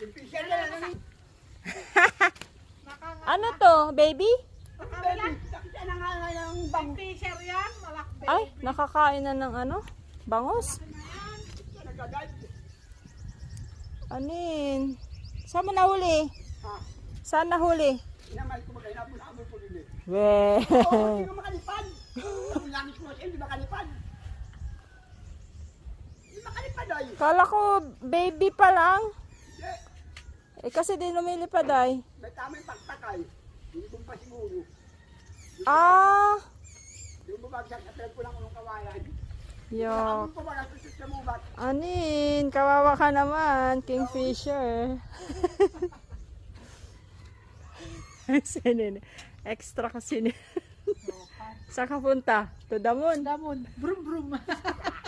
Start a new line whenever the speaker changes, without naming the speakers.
Kingfisher na lang.
Ano to, baby?
Baby, nakita na nga ng bango.
Fisher yan, malakbe.
Ay, nakakain na ng ano? Bangos?
Nagagad.
Anin? Saan mo nahuli?
Ha?
Saan nahuli?
Inamal ko magay, nabul ko din eh.
Weh.
Oo, hindi ka makalipad. Ang langit mo, hindi makalipad. Hindi makalipad ay.
Kala ko baby pa lang.
Hindi.
Eh kasi di lumilipad ay.
May tamang paktakay. Hindi ko pa siguro.
Ah,
Yung bumagsak sa trend ko lang unong kawayan.
yo.
Ako ko ba nasusunod sa mubat?
Anin, kawawa ka naman, Kingfisher. Sinin. Extra kasi ni. Saan ka punta? To the moon.
Damon, brum brum.